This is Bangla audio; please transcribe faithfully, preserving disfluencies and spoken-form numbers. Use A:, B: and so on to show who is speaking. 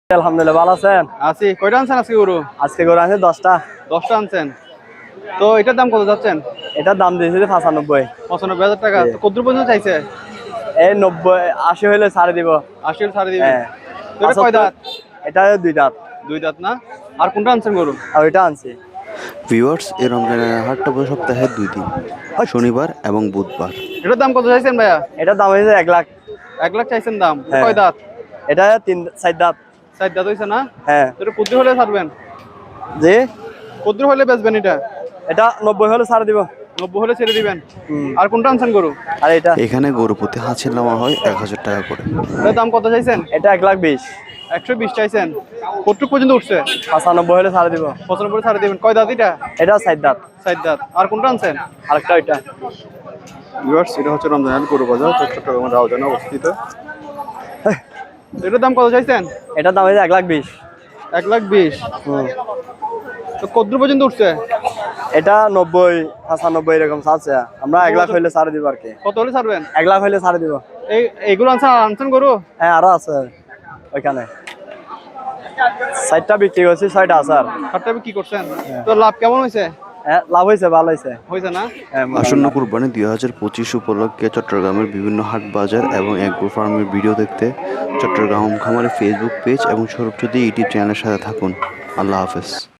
A: আলহামদুলিল্লাহ, ভালো আছেন?
B: আছি। কয়টা আনছেন আজকে গরু?
A: আজকে গরু আছে দশটা।
B: দশটা আনছেন। তো এটার দাম কত যাচ্ছেন?
A: এটার দাম দিয়েছে যে পঁচানব্বই।
B: পঁচানব্বই হাজার টাকা। তো কত পর্যন্ত চাইছে?
A: এই নব্বই আশি হইলে ছাড়ে দিব।
B: আশি ছাড়ে দিবেন।
A: হ্যাঁ।
B: তো এটা কয় দাঁত?
A: এটা দুই দাঁত।
B: দুই দাঁত না? আর কোনটা আনছেন গরু?
A: আর ওইটা আনছি।
C: ভিউয়ার্স, এই রমজানের হাটটা বসে সপ্তাহে দুই দিন, শনিবার এবং বুধবার।
B: এটার দাম কত চাইছেন ভাইয়া?
A: এটার দাম হয়েছে এক লাখ।
B: এক লাখ চাইছেন দাম।
A: হ্যাঁ।
B: কয় দাঁত?
A: এটা তিন চার দাঁত।
B: চার দাঁত হয়েছে না?
A: হ্যাঁ।
B: তো এটা কদ্দুর হলে ছাড়বেন?
A: জি।
B: কদ্দুর হলে বেচবেন এটা?
A: এটা নব্বই হলে ছাড়ে দিব।
B: নব্বই হলে ছেড়ে দিবেন।
A: হুম।
B: আর কোনটা আনছেন গরু?
A: আর এটা
C: এখানে গরু প্রতি হাঁসের নেওয়া হয় এক হাজার টাকা করে।
B: এটার দাম কত চাইছেন?
A: এটা এক লাখ বিশ।
B: একশো বিশ চাইছেন। কতটুক পর্যন্ত উঠছে?
A: পঁচানব্বই হলে ছাড়ে দিব।
B: পঁচানব্বই ছাড়ে দিবেন। কয় দাঁত এটা?
A: এটা চার দাঁত।
B: চার দাঁত। আর কোনটা আনছেন?
A: আরেকটা ওইটা।
B: ভিউয়ার্স, এটা হচ্ছে রমজান গরু বাজার, চট্টগ্রামের রাউজানে অবস্থিত। এটার দাম কত চাইছেন?
A: এটার দাম হয়েছে এক লাখ বিশ।
B: এক লাখ বিশ।
A: হুম।
B: তো কদ্দুর পর্যন্ত উঠছে?
A: এটা নব্বই পঁচানব্বই এরকম ছাড়ছে। আমরা এক লাখ হইলে ছাড়ে দিব আর কি।
B: কত হলে ছাড়বেন?
A: এক লাখ হইলে ছাড়ে দিব।
B: এই এইগুলো আনছেন আনছেন গরু?
A: হ্যাঁ, আরো আছে ওইখানে। চারটা বিক্রি করছি, ছয়টা আছে আর।
B: সাতটা কি করছেন? তো লাভ কেমন হয়েছে?
A: হ্যাঁ, লাভ হয়েছে, ভালো হয়েছে।
B: হয়েছে না?
A: হ্যাঁ,
C: আসন্ন কুরবানি দুই হাজার পঁচিশ উপলক্ষে চট্টগ্রামের বিভিন্ন হাট বাজার এবং এগ্রো ফার্মের ভিডিও দেখতে চট্টগ্রাম খামারের ফেসবুক পেজ এবং সৌরভ চৌধুরী ইউটিউব চ্যানেলের সাথে থাকুন। আল্লাহ হাফেজ।